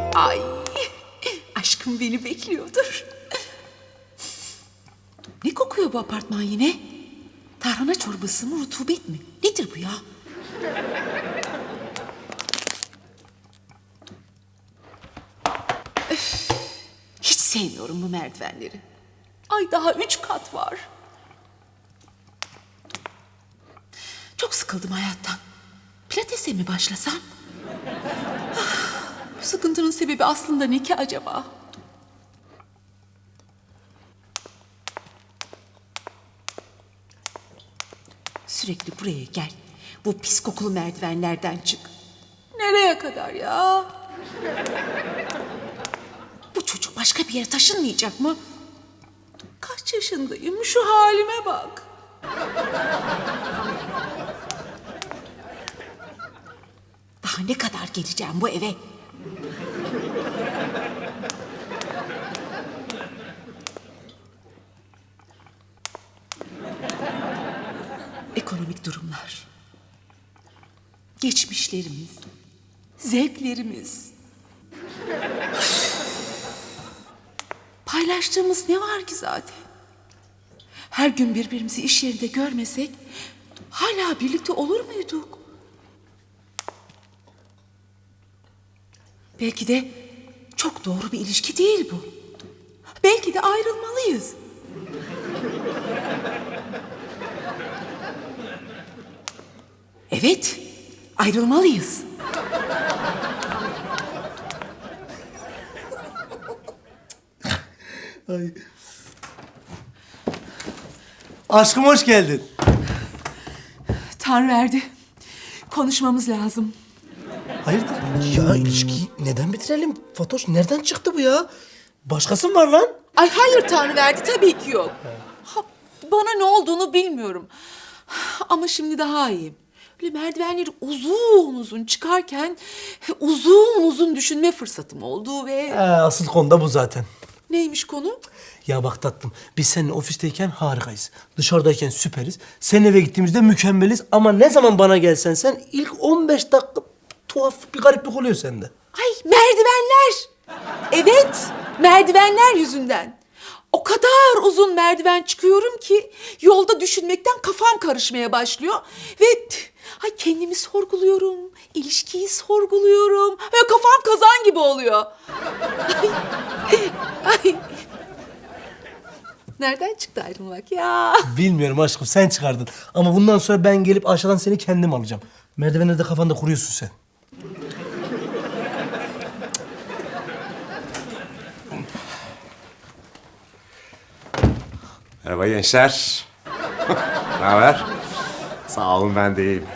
Ay, aşkım beni bekliyordur. Ne kokuyor bu apartman yine? Tarhana çorbası mı, rutubet mi? Nedir bu ya? Öf, hiç sevmiyorum bu merdivenleri. Ay daha 3 kat var. Çok sıkıldım hayattan. Pilates'e mi başlasam? Bu sıkıntının sebebi aslında ne ki acaba? Sürekli buraya gel. Bu pis kokulu merdivenlerden çık. Nereye kadar ya? Bu çocuk başka bir yere taşınmayacak mı? Kaç yaşındayım? Şu halime bak. Daha ne kadar geleceğim bu eve? Ekonomik durumlar, geçmişlerimiz, zevklerimiz. Paylaştığımız ne var ki zaten? Her gün birbirimizi iş yerinde görmesek hala birlikte olur muyduk? Belki de çok doğru bir ilişki değil bu. Belki de ayrılmalıyız. Evet, ayrılmalıyız. Ay. Aşkım hoş geldin. Tanrı verdi. Konuşmamız lazım. Hayırdır? Ya ilişkiyi neden bitirelim? Fatoş nereden çıktı bu ya? Başkası mı var lan? Ay hayır Tanrı verdi, tabii ki yok. Ha, bana ne olduğunu bilmiyorum. Ama şimdi daha iyiyim. Böyle merdivenleri uzun uzun çıkarken uzun uzun düşünme fırsatım oldu ve... Asıl konu da bu zaten. Neymiş konu? Ya bak tatlım, biz seninle ofisteyken harikayız. Dışarıdayken süperiz. Senin eve gittiğimizde mükemmeliz. Ama ne zaman bana gelsen sen ilk 15 dakika tuhaf bir gariplik oluyor sende. Ay merdivenler. Evet, merdivenler yüzünden. O kadar uzun merdiven çıkıyorum ki yolda düşünmekten kafam karışmaya başlıyor. Ve ay kendimi sorguluyorum, ilişkiyi sorguluyorum. Ve kafam kazan gibi oluyor. Ay. Nereden çıktı ayrılmak ya? Bilmiyorum aşkım, sen çıkardın. Ama bundan sonra ben gelip aşağıdan seni kendim alacağım. Merdivenlerde kafanda kuruyorsun sen. Merhaba gençler. Ne haber? Sağ olun, ben de iyiyim.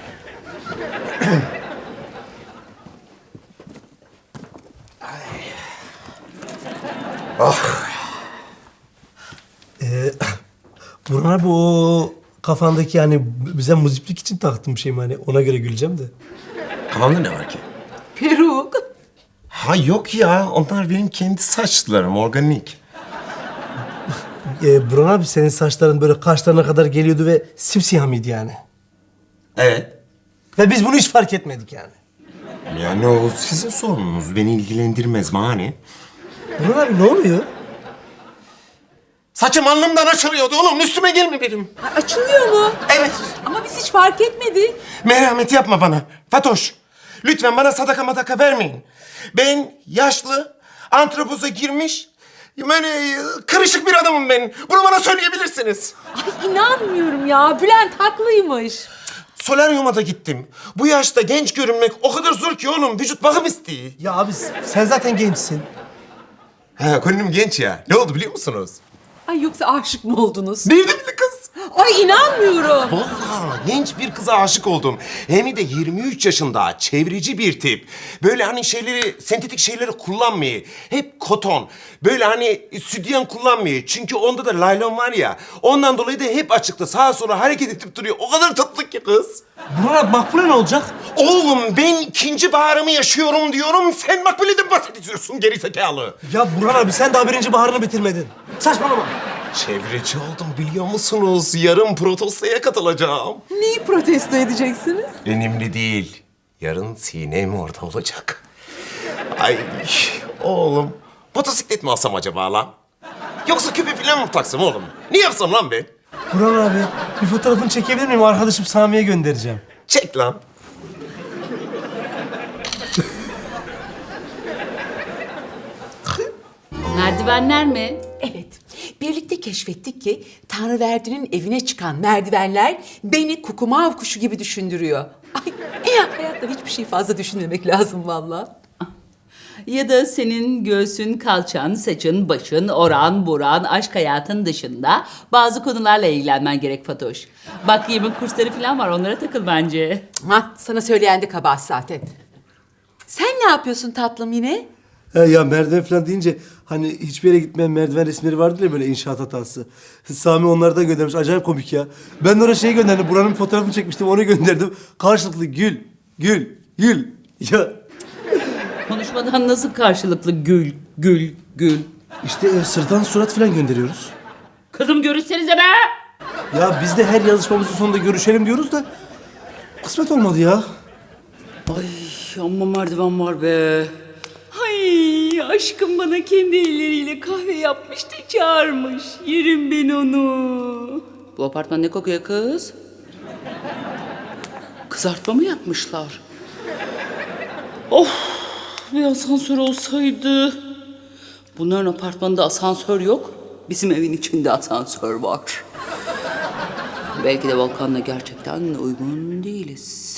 Burhan abi, o kafandaki yani bize muziplik için taktığım şey mi, hani ona göre güleceğim de. Kafamda ne var ki? Peruk. Ha yok ya, onlar benim kendi saçlarım, organik. Burhan abi, senin saçların böyle kaşlarına kadar geliyordu ve simsiyah mıydı yani? Evet. Ve biz bunu hiç fark etmedik yani. Yani o sizin sorununuz, beni ilgilendirmez mani. Burhan abi ne oluyor? Saçım alnımdan açılıyordu oğlum, üstüme gelme benim. Ay, açılıyor mu? Evet. Ama biz hiç fark etmedik. Merhamet yapma bana. Fatoş, lütfen bana sadaka madaka vermeyin. Ben yaşlı, antropoza girmiş, böyle kırışık bir adamım ben. Bunu bana söyleyebilirsiniz. Ay inanmıyorum ya. Bülent haklıymış. Solaryuma da gittim. Bu yaşta genç görünmek o kadar zor ki oğlum. Vücut bakım istiyor. Ya abi, sen zaten gençsin. Ha, gönlüm genç ya. Ne oldu biliyor musunuz? Ay yoksa aşık mı oldunuz? Nerede bile kız? Ay inanmıyorum. Vallahi genç bir kıza aşık oldum. Hem de 23 yaşında, çevreci bir tip. Böyle hani şeyleri, sentetik şeyleri kullanmıyor. Hep koton. Böyle hani sütyen kullanmıyor. Çünkü onda da laylon var ya. Ondan dolayı da hep açıkta sağa sola hareket edip duruyor. O kadar tatlı ki kız. Burhan abi, Makbule ne olacak? Oğlum ben ikinci baharımı yaşıyorum diyorum. Sen Makbule'den bahsediyorsun gerizekalı. Ya Burhan abi, sen daha birinci baharını bitirmedin. Saçmalama. Çevreci oldum biliyor musunuz? Yarın protestoya katılacağım. Neyi protesto edeceksiniz? Önemli değil. Yarın Sinem orada olacak. Ay Oğlum, motosiklet mi alsam acaba lan? Yoksa küpe falan mı taksam oğlum? Ne yapsam lan ben? Burhan abi bir fotoğrafını çekebilir miyim? Arkadaşım Sami'ye göndereceğim. Çek lan. Merdivenler mi? Evet, birlikte keşfettik ki Tanrıverdi'nin evine çıkan merdivenler beni kukumav kuşu gibi düşündürüyor. Ay, hayatta hiçbir şey fazla düşünmemek lazım vallahi. Ya da senin göğsün, kalçan, saçın, başın, oran, buran, aşk hayatın dışında bazı konularla ilgilenmen gerek Fatoş. Bak yemin kursları falan var, onlara takıl bence. Ha, sana söyleyen de kabahat zaten. Sen ne yapıyorsun tatlım yine? Ya merdiven falan deyince hani hiçbir yere gitmeyen merdiven resimleri vardır ya böyle inşaat hatası. Sami onlardan göndermiş. Acayip komik ya. Ben de ona şey gönderdim. Buranın fotoğrafını çekmiştim. Onu gönderdim. Karşılıklı gül, gül, gül. Ya Konuşmadan nasıl karşılıklı gül, gül, gül? işte sırttan surat falan gönderiyoruz. Kızım görüşsenize be! Ya biz de her yazışmamızın sonunda görüşelim diyoruz da kısmet olmadı ya. Ay amma merdiven var be. Ay aşkım bana kendi elleriyle kahve yapmış da çağırmış. Yerim ben onu. Bu apartman ne kokuyor kız? Kızartma mı yapmışlar? Of bir asansör olsaydı. Bunların apartmanında asansör yok. Bizim evin içinde asansör var. Belki de Volkan'la gerçekten uygun değiliz.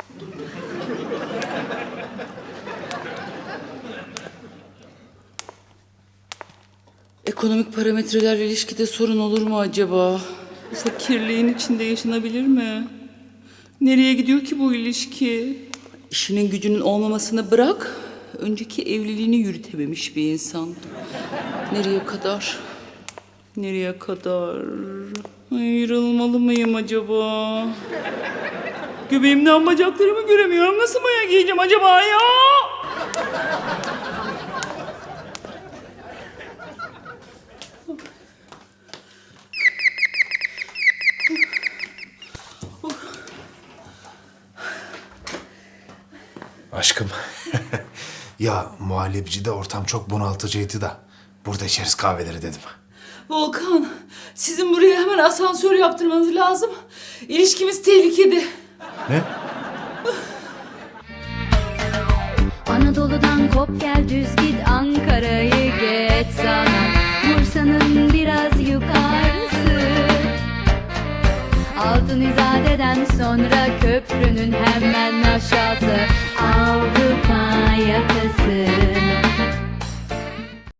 Ekonomik parametreler ilişkide sorun olur mu acaba? Bu fakirliğin içinde yaşanabilir mi? Nereye gidiyor ki bu ilişki? İşinin gücünün olmamasını bırak, önceki evliliğini yürütememiş bir insan. Nereye kadar? Nereye kadar? Ayrılmalı mıyım acaba? Göbeğimden bacaklarımı göremiyorum. Nasıl maya giyeceğim acaba ya? Aşkım. Ya muhallebicide ortam çok bunaltıcıydı da. Burada içeriz kahveleri dedim. Volkan, sizin buraya hemen asansör yaptırmanız lazım. İlişkimiz tehlikede. Ne? Anadolu'dan kop gel düz git Ankara'yı geç sana Bursa'nın biraz yukarısı Altın İzade'den sonra köprünün hemen aşağısı Avrupa yakası